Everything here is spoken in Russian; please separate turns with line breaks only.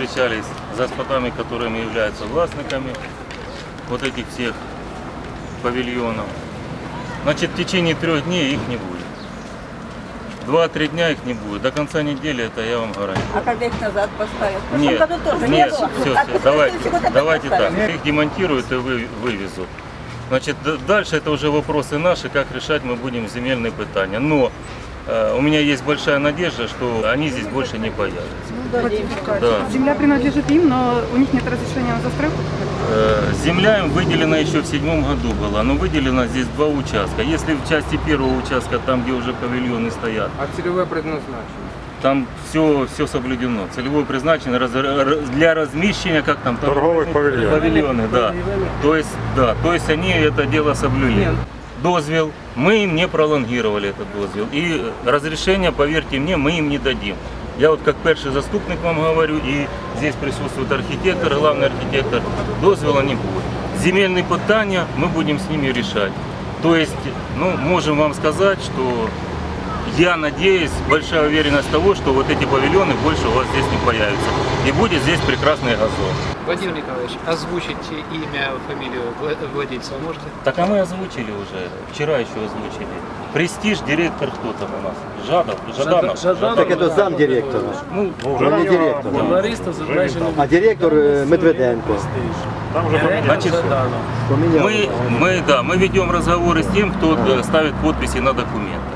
встречались с господами, которыми являются властниками вот этих всех павильонов. Значит, в течение 3 дней их не будет. 2-3 дня их не будет. До конца недели это я вам гарантирую.
А когда их назад поставят? В прошлом
Нет,
году тоже не
нет,
было.
все,
А в следующий год опять
давайте так.
поставят.
Их демонтируют и вывезут. Значит, дальше это уже вопросы наши, как решать мы будем земельные питания. Но у меня есть большая надежда, что они здесь больше не появятся. Да.
Земля принадлежит им, но у них нет разрешения на застройку.
Земля им выделена еще в 2007 году была, но выделено здесь 2 участка. Если в части 1-го участка, там где уже павильоны стоят,
А целевое предназначение?
там все соблюдено. Целевое призначение для размещения, как там
Торговых павильонов.
павильоны, да. То есть они это дело соблюли. Дозвел, мы им не пролонгировали этот дозвел. И разрешение, поверьте мне, мы им не дадим. Я вот как перший заступник вам говорю, и здесь присутствует архитектор, главный архитектор, дозвела не будет. Земельные питания мы будем с ними решать. То есть, ну, можем вам сказать, что я надеюсь, большая уверенность того, что вот эти павильоны больше у вас здесь не появятся. И будет здесь прекрасный газон.
Владимир Николаевич, озвучите имя, фамилию владельца вы можете?
Так а мы озвучили уже, вчера еще озвучили. Престиж, директор кто там у нас? Жаданов.
Так это замдиректора,
Ну,
ну не директор.
Журналістів зображено.
А директор Медведенко.
Там уже
значит,
Поменял.
мы ведем разговоры с тем, кто ставит подписи на документ.